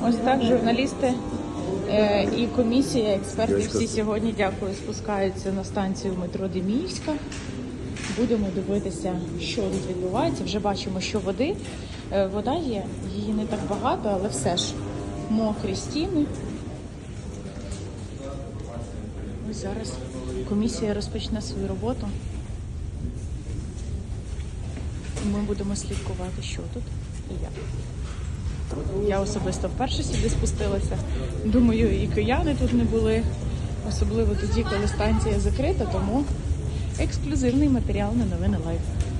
Ось так журналісти і комісія, експерти всі сьогодні, дякую, спускаються на станцію метро Деміївська. Будемо дивитися, що тут відбувається. Вже бачимо, що вода є, її не так багато, але все ж мокрі стіни. Ось зараз комісія розпочне свою роботу. Ми будемо слідкувати, що тут і як. Я особисто вперше сюди спустилася. Думаю, і кияни тут не були, особливо тоді, коли станція закрита, тому ексклюзивний матеріал на Новини Лайв.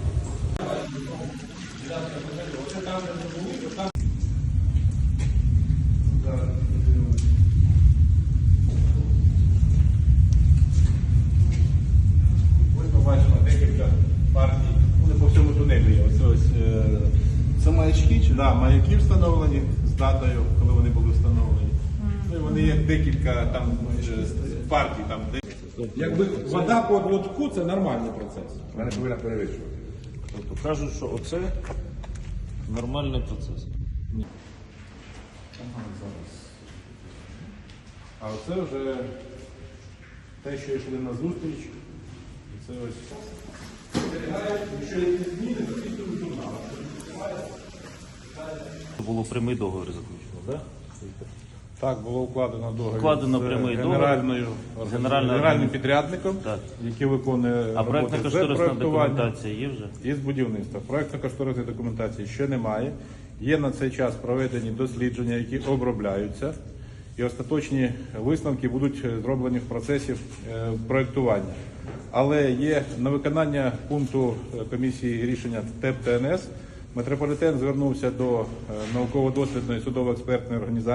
Ось ми бачимо декілька партій, вони по всьому тунелі є. Це маячки, чи? Да, маяки встановлені з датою, коли вони були встановлені. Ну, і вони є декілька там партій. Там, Якби вода по лотку – це нормальний процес. вона повинна перевищувати. Тобто кажуть, що оце нормальний процес. Ага, зараз. А оце вже те, що йшли на зустріч. Це ось. Було прямий договір заключено, так? Так, було укладено договір Вкладено з прямий договір. генеральним підрядником, Так. який виконує А роботи з проєктно-кошторисна проєктування документація є вже? і з будівництва. Проєктно-кошторисної документації ще немає. Є на цей час проведені дослідження, які обробляються, і остаточні висновки будуть зроблені в процесі проєктування. Але є на виконання пункту комісії рішення ТЕП ТНС, метрополітен звернувся до науково-дослідної судово-експертної організації